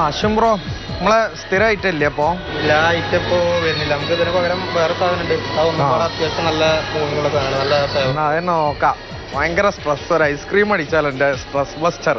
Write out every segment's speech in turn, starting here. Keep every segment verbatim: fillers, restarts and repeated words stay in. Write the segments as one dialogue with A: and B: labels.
A: അശ്വം bro നമ്മളെ സ്ഥിരമായിട്ടല്ലേ അപ്പോ
B: ഇല്ല ഐറ്റം ഇപ്പോ വരുന്നില്ല. നമുക്ക് ഇതിന് പകരം വേറെ സാധനം ഉണ്ട്. അതൊന്നും അത്യാവശ്യം നല്ല മൂവിങ്ങുള്ള സാധനം, നല്ല
A: അതെന്നെ നോക്കാം. ഭയങ്കര സ്ട്രെസ്. ഒരു ഐസ്ക്രീം അടിച്ചാൽ എന്റെ സ്ട്രെസ് ബസ്റ്റർ.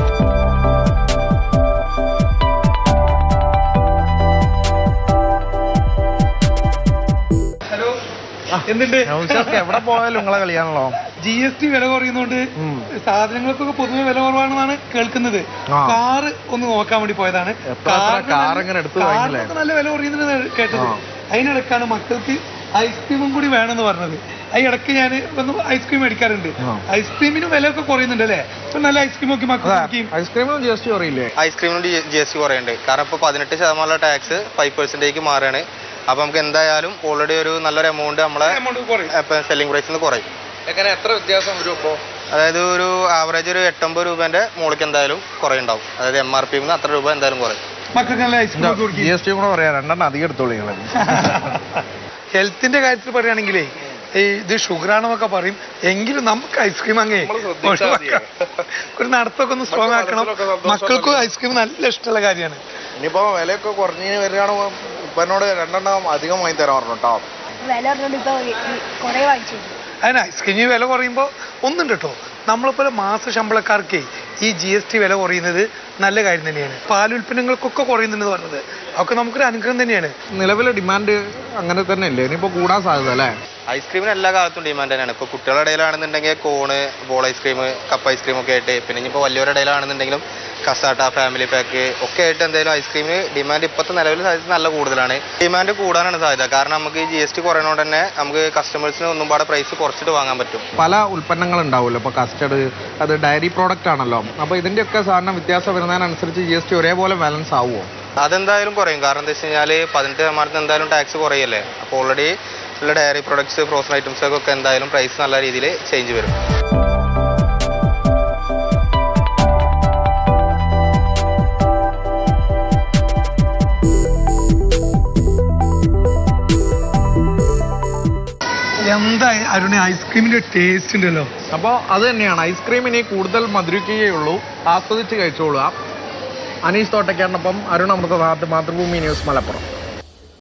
C: എന്തുണ്ട്
A: എവിടെ പോയാലും നിങ്ങളെ കളിയാണല്ലോ.
C: ജി എസ് ടി വില കുറയുന്നോണ്ട് സാധനങ്ങൾക്കൊക്കെ പൊതുവെ വില കുറവാണെന്നാണ് കേൾക്കുന്നത്. കാറ് ഒന്ന് നോക്കാൻ വേണ്ടി പോയതാണ്. കാറിനൊക്കെ നല്ല വില കുറയുന്നത് കേട്ടത്. അതിനിടക്കാണ് മക്കൾക്ക് ഐസ്ക്രീമും കൂടി വേണമെന്ന് പറഞ്ഞത്. അതിനിടക്ക് ഞാൻ ഒന്ന് ഐസ്ക്രീം മേടിക്കാറുണ്ട്. ഐസ്ക്രീമിന് വില ഒക്കെ കുറയുന്നുണ്ട് അല്ലേ? ഇപ്പൊ നല്ല ഐസ്ക്രീം ഒക്കെ മക്കൾക്ക്
A: ഐസ്ക്രീമിനും ജി എസ് ടി കുറയില്ലേ?
B: ഐസ്ക്രീമിനും ജി എസ് ടി കുറയുന്നുണ്ട്. കാരണം ഇപ്പൊ പതിനെട്ട് ശതമാനമുള്ള ടാക്സ് ഫൈവ് പെർസെന്റേജ് മാറുകയാണ്. അപ്പൊ നമുക്ക് എന്തായാലും ഓൾറെഡി ഒരു നല്ലൊരു എമൗണ്ട് നമ്മളെ സെല്ലിംഗ് പ്രൈസിൽ നിന്ന് കുറയും.
A: എങ്ങനെ എത്ര വ്യത്യാസം വരും ഇപ്പോ?
B: അതായത് ഒരു ആവറേജ് ഒരു എട്ടൊമ്പത് രൂപേന്റെ മുകളിലേക്ക് എന്തായാലും കുറയുണ്ടാവും. അതായത് എം ആർ പി അത്ര രൂപ എന്തായാലും കുറയും.
A: ജി എസ് ടി കൂടെ പറയാ, രണ്ടെണ്ണം അധികം എടുത്തോളൂ.
C: ഹെൽത്തിന്റെ കാര്യത്തിൽ പറയുകയാണെങ്കിലേ ഈ ഇത് ഷുഗറാണെന്നൊക്കെ പറയും. എങ്കിലും നമുക്ക് ഐസ്ക്രീം അങ്ങേ ഒരു നടത്തൊക്കെ ഒന്ന് സ്ട്രോങ് ആക്കണം. മക്കൾക്കും ഐസ്ക്രീം നല്ല ഇഷ്ടമുള്ള കാര്യമാണ്.
A: ഇനിയിപ്പോ വിലയൊക്കെ കുറഞ്ഞ് വരികയാണ്. ഉപ്പനോട് രണ്ടെണ്ണം അധികം വാങ്ങി തരാൻ പറഞ്ഞു കേട്ടോ.
C: അതിന് ഐസ്ക്രീമിന് വില കുറയുമ്പോൾ ഒന്നുണ്ട് കേട്ടോ. നമ്മളിപ്പോൾ മാസ ശമ്പളക്കാർക്ക് ഈ ജി എസ് ടി വില കുറയുന്നത് നല്ല കാര്യം തന്നെയാണ്. പാലുൽപ്പന്നങ്ങൾക്കൊക്കെ കുറയുന്നുണ്ടെന്ന് പറഞ്ഞത് അതൊക്കെ നമുക്കൊരു അനുഗ്രഹം തന്നെയാണ്.
A: നിലവിലെ ഡിമാൻഡ് അങ്ങനെ തന്നെ അല്ലേ? ഇനിയിപ്പോ കൂടാൻ സാധ്യത അല്ലേ?
B: ഐസ്ക്രീമിന് എല്ലാ കാലത്തും ഡിമാൻഡ് തന്നെയാണ്. ഇപ്പോൾ കുട്ടികളുടെ ഇടയിലാണെന്നുണ്ടെങ്കിൽ cone, ball ice cream, cup ice cream ഒക്കെ ആയിട്ട്, പിന്നെ ഇനിയിപ്പോൾ വലിയവരുടെ ഇടയിലാണെന്നുണ്ടെങ്കിലും കസാട്ട, ഫാമിലി പാക്ക് ഒക്കെ ആയിട്ട് എന്തായാലും ഐസ്ക്രീമിന് ഡിമാൻഡ് ഇപ്പോഴത്തെ നിലവിൽ സാധ്യത നല്ല കൂടുതലാണ്. ഡിമാൻഡ് കൂടാനാണ് സാധ്യത. കാരണം നമുക്ക് ഈ ജി എസ് ടി കുറയുന്നതുകൊണ്ട് തന്നെ നമുക്ക് കസ്റ്റമേഴ്സിന് ഒന്നും പാടെ പ്രൈസ് കുറച്ചിട്ട് വാങ്ങാൻ പറ്റും.
A: പല ഉൽപ്പന്നങ്ങൾ ഉണ്ടാവുമല്ലോ. ഇപ്പോൾ കസ്റ്റഡ് അത് ഡയറി പ്രോഡക്റ്റ് ആണല്ലോ. അപ്പോൾ ഇതിൻ്റെയൊക്കെ സാധനം വ്യത്യാസം വരുന്നതിനനുസരിച്ച് ജി എസ് ടി ഒരേപോലെ ബാലൻസ് ആവുമോ?
B: അതെന്തായാലും കുറയും. കാരണം എന്താ വെച്ച് കഴിഞ്ഞാൽ പതിനെട്ട് ശതമാനത്തിന് എന്തായാലും ടാക്സ് കുറയല്ലേ. അപ്പോൾ ഓൾറെഡി ഉള്ള ഡയറി പ്രൊഡക്ട്സ്, ഫ്രോസൺ ഐറ്റംസ് ഒക്കെ എന്തായാലും പ്രൈസ് നല്ല രീതിയിൽ ചേഞ്ച് വരും.
C: എന്താ അരുണെ ഐസ്ക്രീമിന്റെ ടേസ്റ്റ് ഉണ്ടല്ലോ.
A: അപ്പോൾ അത് തന്നെയാണ്. ഐസ്ക്രീമിനെ കൂടുതൽ മധുരിക്കുകയുള്ളൂ, ആസ്വദിച്ച് കഴിച്ചോളുക. അനീഷ് തോട്ടയ്ക്കാരനൊപ്പം അരുൺ അമൃതനാഥ്, മാതൃഭൂമി ന്യൂസ്, മലപ്പുറം.